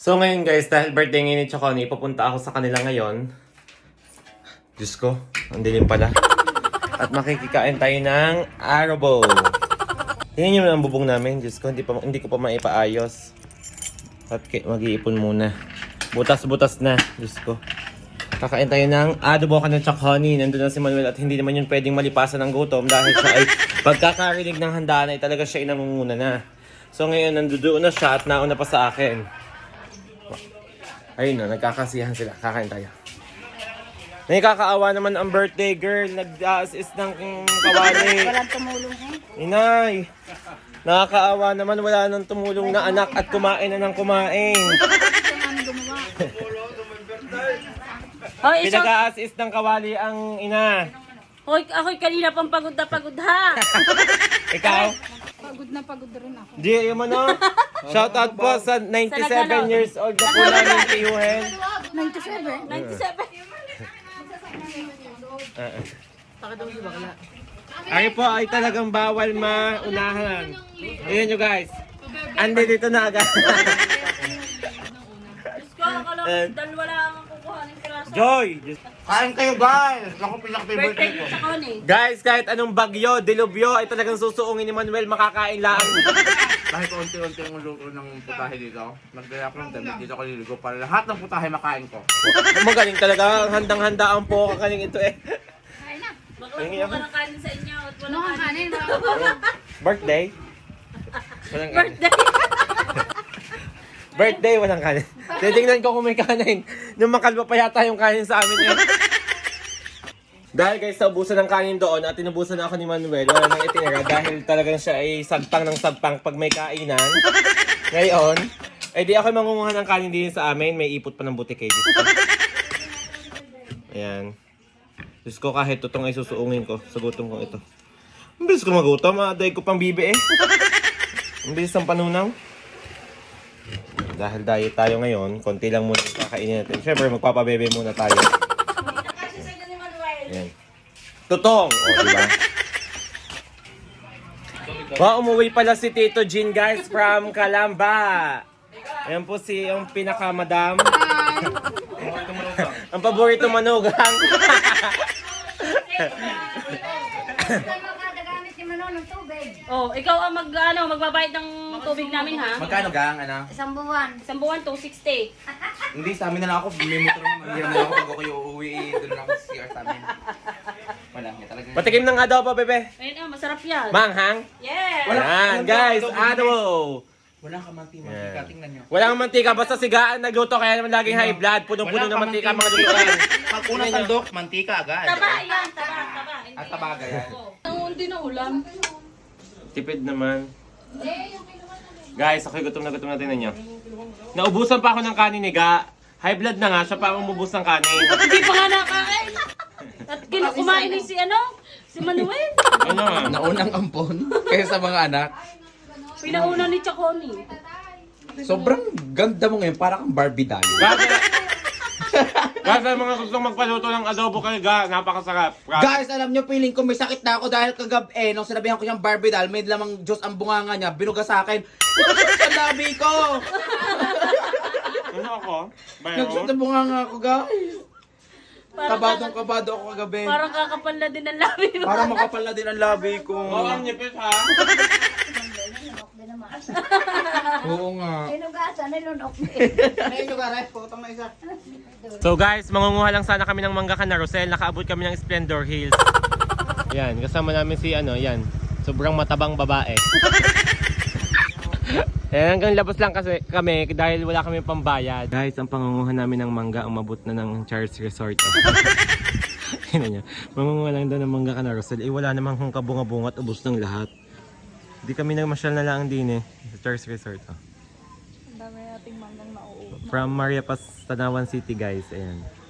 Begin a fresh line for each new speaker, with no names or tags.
So ngayon guys, dahil birthday ngayon ni Chaconi, pupunta ako sa kanila ngayon. Diyos ko, ang dilim pala. At makikikain tayo ng arabo. Tingnan nyo na ang bubong namin. Diyos ko, hindi ko pa maipaayos. At mag-iipon muna. Butas-butas na. Diyos ko. Kakain tayo ng adobo ka ng Chaconi. Nandun na si Manuel at hindi naman yun pwedeng malipasan ng gutom dahil siya ay pagkakarinig ng handaan ay talaga siya inangunguna na. So ngayon, nandoon na siya at nauna pa sa akin. Ayun na, nagkakasiyahan sila. Kakain tayo. Nakakaawa naman ang birthday girl. Nag-assist ng kawali.
Walang tumulong eh.
Inay! Nakakaawa naman, wala nang tumulong na anak at kumain na ng kumain.
Hoy,
Pinag-assist ng kawali ang ina.
Hoy, ako'y kanina pang pagod na pagod ha.
Ikaw?
Pagod na pagod rin ako.
Di, yung ano? Shoutout po sa 97 years old na po namin tiyuhin.
97?
97.
Ay po ay talagang bawal maunahan. Ayan nyo guys. Andi dito na agad.
Diyos ko, akala ko dalawa lang ang kukuha ng piraso.
Joy!
Kain kayo guys! Ako pinaka-favorite
Birthday
ko.
ni Chaconi.
Guys, kahit anong bagyo, dilubyo, ay talagang susuungin ni Manuel, makakain lang.
Kahit unti-unti ang luto ng putahe dito, nagdala ko ng damit dito ko liligo para lahat ng putahe makain ko.
Magaling talaga, handang-handa ang po kakaning ito eh.
Bakla kumuha ka ng kanin sa inyo at
Ano
walang
ang
kanin.
kanin?
Birthday? Walang kanin.
Birthday.
Birthday, walang kanin. Titingnan ko kung may kanin. Nung makalma pa yata yung kanin sa amin eh. Dahil guys, naubusan ng kanin doon at tinubusan ako ni Manuel, wala nang itinira dahil talagang siya ay sagpang ng sagpang pag may kainan. Ngayon, ay di ako mangunguha ng kanin din sa amin. May ipot pa ng butik eh. Diyos ko. Ayan. Diyos ko, kahit tutong ay susuungin ko sa gutom kong ito. Ang bilis ko magutom, daig ko pang bibi eh. Ang bilis ng panunaw. Dahil diet tayo ngayon, konti lang muna yung kakainin natin. Siyempre, magpapabebe muna tayo.
Kasi sa inyo ni Manuel.
Ayan. Tutong! O, diba? Umuwi pala si Tito Jean, guys, from Calamba. Ayan po si yung pinaka-madam. Ang paborito manugang.
Oh, ikaw ang magbabayad ng tubig namin ha.
Magkano gang, ano?
Isang buwan.
Isang buwan, 260.
Hindi, sa amin na lang ako. May motor naman. Hindi naman ako pag ako uuwi. Doon lang ako sa CR sa amin. Wala, may talaga.
Patikim ng adobo, bebe.
Ayun ah, masarap yan.
Manghang.
Yes!
Ayan, guys, adobo.
Wala ka mantika. Tingnan nyo.
Walang mantika, basta sigaan nagluto, kaya naman laging high blood. Punong-puno ng mantika mga lutuan.
Pag unang sandok, mantika agad.
Taba yan, taba.
At tabaga yan.
Hindi na ulam.
Tipid naman. Guys, ako'y gutom na tingnan nyo. Naubusan pa ako ng kanin ni Ga. High blood na nga, siya pa ang umubos ng kanin.
Hindi pa nga nakain. At kumain ni si Manuel.
Ano nga?
Naunang ampon kaya sa mga anak.
Pinauna ni Chaconi.
Sobrang ganda mo ngayon. Parang kang Barbie doll.
Guys, ang mga gustong magpaluto ng adobo kay Ga, napakasarap.
Guys, alam nyo, feeling ko may sakit na ako dahil kagabi, nung sinabihan ko siyang Barbie doll, may lamang Diyos ang bunganga niya, binuga sa akin. Nagsuot sa labi ko!
Ano ako?
Nagsuot sa bunganga ko, guys. Kabado ako kagabi.
Parang kakapal na din ang labi mo.
Parang makapal na din ang labi ko.
Oo, ang nipis ha.
Oo nga.
Inugasan, nilunok.
So guys, mangunguha lang sana kami ng mangga ka na Rosel. Nakaabot kami ng Splendor Hills. Yan, kasama namin si yan. Sobrang matabang babae. Yan, hanggang labas lang kasi kami dahil wala kami pambayad. Guys, ang pangunguha namin ng mangga, umabot na ng Charles Resort. Tingnan nyo, mangunguha lang daw ng mangga ka na Rosel. Eh wala namang kung kabunga-bunga at ubos ng lahat. Hindi kami nagmasyal na lang din sa Charles Resort.
Ang dami nating manggang nauuwi.
From Maria Paz, Tanawan City guys. Ayan.